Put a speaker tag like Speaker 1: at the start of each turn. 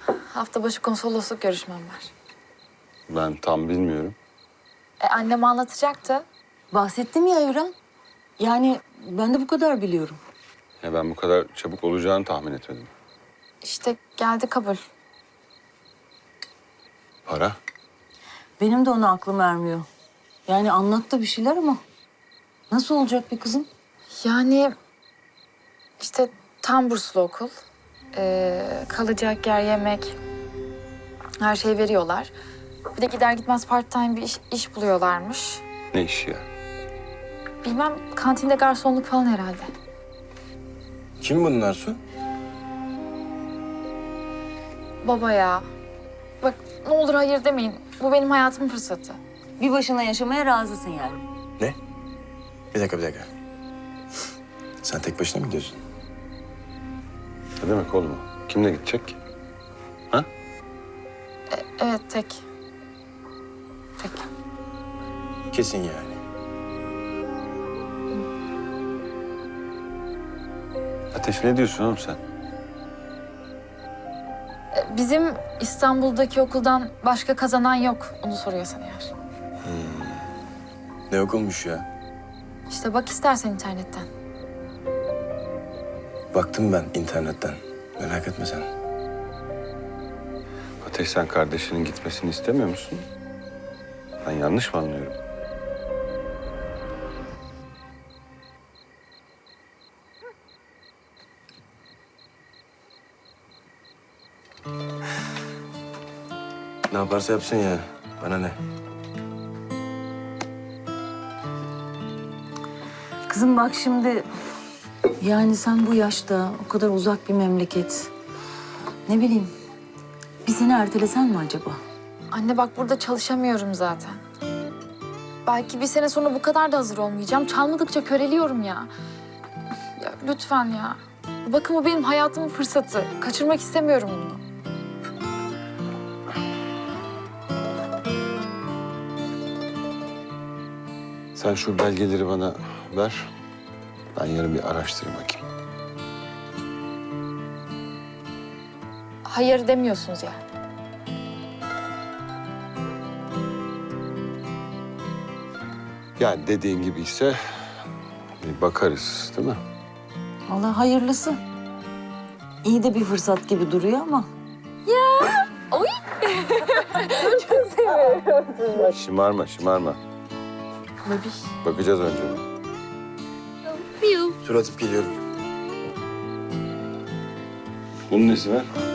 Speaker 1: Hafta başı konsolosluk görüşmem var.
Speaker 2: Ben tam bilmiyorum.
Speaker 1: Annem anlatacaktı.
Speaker 3: Bahsettim ya Evren. Yani ben de bu kadar biliyorum.
Speaker 2: Ya ben bu kadar çabuk olacağını tahmin etmedim.
Speaker 1: İşte geldi kabul.
Speaker 2: Para?
Speaker 3: Benim de ona aklım ermiyor. Yani anlattı bir şeyler ama nasıl olacak bir kızım?
Speaker 1: Yani işte tam burslu okul. Kalacak yer, yemek, her şeyi veriyorlar. Bir de gider gitmez part time bir iş buluyorlarmış.
Speaker 2: Ne iş ya?
Speaker 1: Bilmem, kantinde garsonluk falan herhalde.
Speaker 4: Kim bunlar Su?
Speaker 1: Baba ya. Bak ne olur hayır demeyin. Bu benim hayatımın fırsatı.
Speaker 3: Bir başına yaşamaya razısın yani.
Speaker 4: Ne? Bir dakika. Sen tek başına mı gidiyorsun?
Speaker 2: Ne demek oğlum o? Kimle gidecek ki? Ha?
Speaker 1: Evet tek. Tek.
Speaker 4: Kesin yani.
Speaker 2: Ateş ne diyorsun oğlum sen?
Speaker 1: Bizim İstanbul'daki okuldan başka kazanan yok. Onu soruyorsan eğer.
Speaker 4: Ne okulmuş ya?
Speaker 1: İşte bak istersen internetten.
Speaker 4: Baktım ben internetten. Merak etme sen.
Speaker 2: Ateş sen kardeşinin gitmesini istemiyor musun? Ben yanlış mı anlıyorum?
Speaker 4: Ne yaparsa yapsın ya. Bana ne?
Speaker 3: Kızım bak şimdi yani sen bu yaşta o kadar uzak bir memleket. Ne bileyim bir sene ertelesen mi acaba?
Speaker 1: Anne bak burada çalışamıyorum zaten. Belki bir sene sonra bu kadar da hazır olmayacağım. Çalmadıkça köreliyorum ya. Ya lütfen ya. Bakın bu benim hayatımın fırsatı. Kaçırmak istemiyorum bunu.
Speaker 2: Sen şu belgeleri bana ver. Ben yarın bir araştırayım bakayım.
Speaker 1: Hayır demiyorsunuz yani.
Speaker 2: Yani dediğin gibi ise bir bakarız değil mi?
Speaker 3: Allah hayırlısı. İyi de bir fırsat gibi duruyor ama.
Speaker 1: Oy!
Speaker 2: Şımarma.
Speaker 1: Babiş.
Speaker 2: Bakacağız önce.
Speaker 4: Tur atıp geliyorum.
Speaker 2: Bunun nesi var?